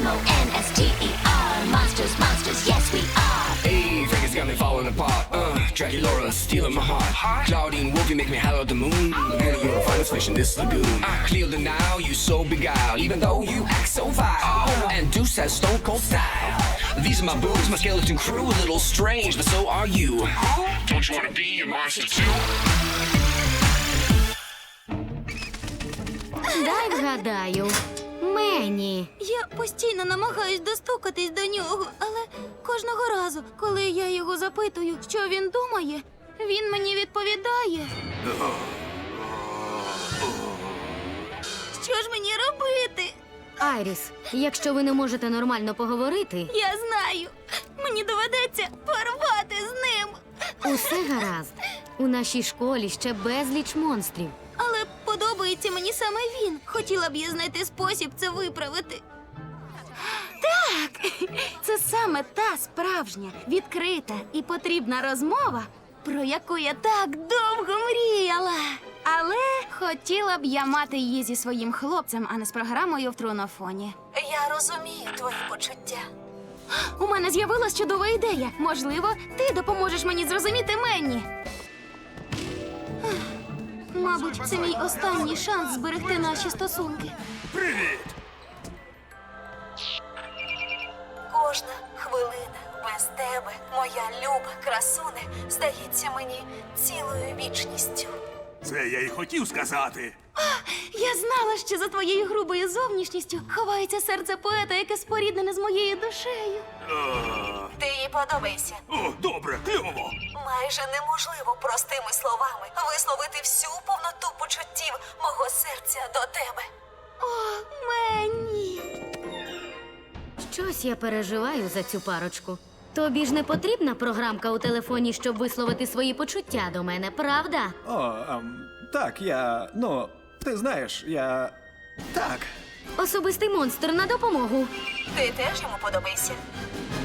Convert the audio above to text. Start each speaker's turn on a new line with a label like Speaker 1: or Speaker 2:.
Speaker 1: M-O-N-S-T-E-R. Monsters, monsters, yes we are.
Speaker 2: Hey, Vegas got me falling apart. Draculaura stealing my heart. Claudine Wolfie make me holler at the moon. And you're the finest fish in this lagoon. I clear the now, you so beguiled, even though you act so vile. And Deuce has stone cold style. These are my boobs, my skeleton crew, a little strange, but so are you. Don't you wanna be a monster too?
Speaker 3: Дай вгадаю. Мені.
Speaker 4: Я постійно намагаюсь достукатись до нього, але кожного разу, коли я його запитую, що він думає, він мені відповідає. Що ж мені робити?
Speaker 3: Айріс, якщо ви не можете нормально поговорити,
Speaker 4: Я знаю. Мені доведеться порвати з ним.
Speaker 3: усе гаразд. У нашій школі ще безліч монстрів.
Speaker 4: Але подобається мені саме він. Хотіла б я знайти спосіб це виправити. Так, це саме та справжня, відкрита і потрібна розмова, про яку я так довго мріяла. Але хотіла б я мати її зі своїм хлопцем, а не з програмою в трунофоні.
Speaker 5: Я розумію твої почуття.
Speaker 4: У мене з'явилась чудова ідея. Можливо, ти допоможеш мені зрозуміти Менні. Мабуть, це мій останній шанс зберегти наші стосунки.
Speaker 2: Привіт!
Speaker 5: Кожна хвилина без тебе, моя люба красуне, здається мені цілою вічністю.
Speaker 6: Це я й хотів сказати.
Speaker 4: Я знала, що за твоєю грубою зовнішністю ховається серце поета, яке споріднене з моєю душею.
Speaker 5: Ти їй подобаєшся.
Speaker 6: О, добре, кльово.
Speaker 5: Майже неможливо простими словами висловити всю повноту почуттів мого серця до тебе.
Speaker 4: О, Менні!
Speaker 3: Щось я переживаю за цю парочку. Тобі ж не потрібна програмка у телефоні, щоб висловити свої почуття до мене, правда?
Speaker 7: Так, ти знаєш, Так.
Speaker 3: Особистий монстр на допомогу.
Speaker 5: Ти теж йому подобаєшся.